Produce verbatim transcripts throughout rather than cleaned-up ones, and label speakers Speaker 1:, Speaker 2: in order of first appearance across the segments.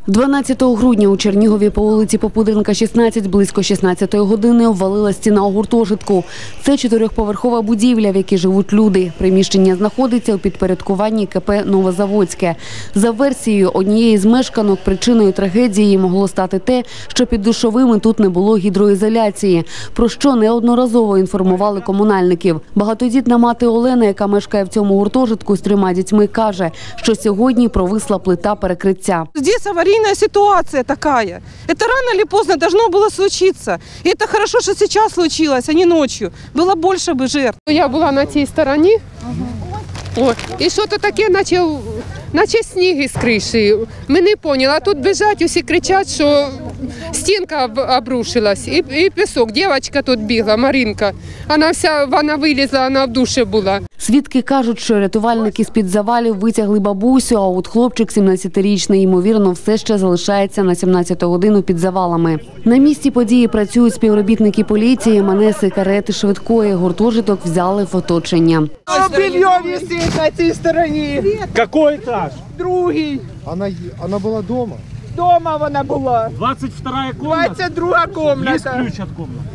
Speaker 1: дванадцятого грудня у Чернігові по вулиці Попуденка, шістнадцять, близько шістнадцятої години обвалила стіна у гуртожитку. Це чотирьохповерхова будівля, в якій живуть люди. Приміщення знаходиться у підпорядкуванні КП «Новозаводське». За версією однієї з мешканок, причиною трагедії могло стати те, що під душовими тут не було гідроізоляції, про що неодноразово інформували комунальників. Багатодітна мати Олена, яка мешкає в цьому гуртожитку з трьома дітьми, каже, що сьогодні провисла плита перекриття.
Speaker 2: Здесь аварийная ситуация такая. Это рано или поздно должно было случиться. И это хорошо, что сейчас случилось, а не ночью. Было больше бы жертв.
Speaker 3: Я була на цій стороні, ага. О, і що то таке, наче, наче сніг із криші. Ми не поняли, а тут біжать, усі кричать, що стінка обрушилась. І, і пісок, дівчинка тут бігла, Маринка. Вона вся, вона вилізла, вона в душі була.
Speaker 1: Свідки кажуть, що рятувальники з-під завалів витягли бабусю, а от хлопчик сімнадцятирічний, ймовірно, все ще залишається на сімнадцяту годину під завалами. На місці події працюють співробітники поліції, манеси, карети швидкої. Гуртожиток взяли в оточення.
Speaker 2: Белье висит на цій стороні.
Speaker 4: Какой этаж?
Speaker 2: Другий.
Speaker 5: Она, она была дома?
Speaker 2: Дома вона була.
Speaker 4: двадцать вторая комната?
Speaker 2: двадцять друга комната.
Speaker 4: Есть ключ от комнаты?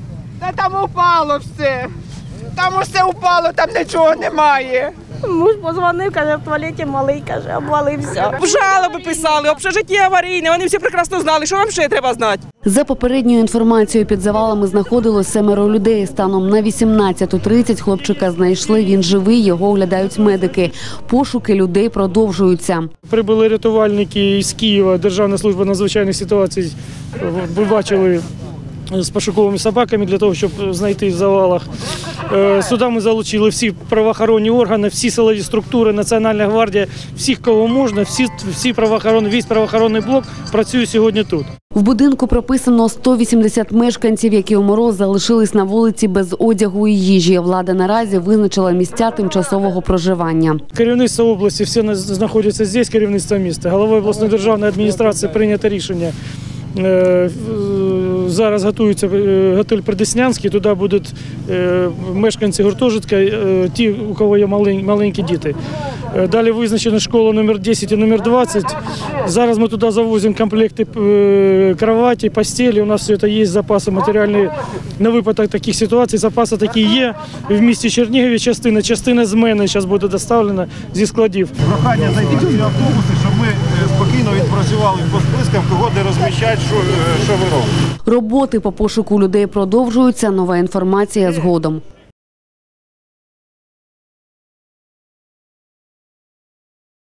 Speaker 2: Та там упало все. Там усе упало, там нічого немає.
Speaker 6: Муж позвонив, каже, в туалеті малий, каже, обвалився.
Speaker 2: Жалоби писали, общежиття аварійне, вони всі прекрасно знали, що вам ще треба знати.
Speaker 1: За попередньою інформацією, під завалами знаходилось семеро людей. Станом на вісімнадцяту тридцять хлопчика знайшли, він живий, його оглядають медики. Пошуки людей продовжуються.
Speaker 4: Прибули рятувальники із Києва, Державна служба надзвичайних ситуацій. Ви бачили з пошуковими собаками для того, щоб знайти в завалах. Сюди ми залучили всі правоохоронні органи, всі силові структури, Національна гвардія, всіх, кого можна, всі, всі правоохоронні, весь правоохоронний блок працює сьогодні тут.
Speaker 1: В будинку прописано сто вісімдесят мешканців, які у мороз залишились на вулиці без одягу і їжі. Влада наразі визначила місця тимчасового проживання.
Speaker 4: Керівництво області, всі знаходяться тут, керівництво міста. Головою обласної державної адміністрації прийнято рішення. Зараз готується готель Придеснянський, туди будуть мешканці гуртожитка, ті, у кого є маленькі діти. Далі визначена школа номер десять і номер двадцять. Зараз ми туди завозимо комплекти кроваті, постелі. У нас все це є, запаси матеріальні на випадок таких ситуацій. Запаси такі є. В місті Чернігові частина, частина з мене зараз буде доставлена зі складів.
Speaker 5: Прохання зайти в ці автобуси, щоб ми спокійно відпрацювали по спискам, кого де розміщати, що, що ви робите.
Speaker 1: Роботи по пошуку людей продовжуються. Нова інформація згодом.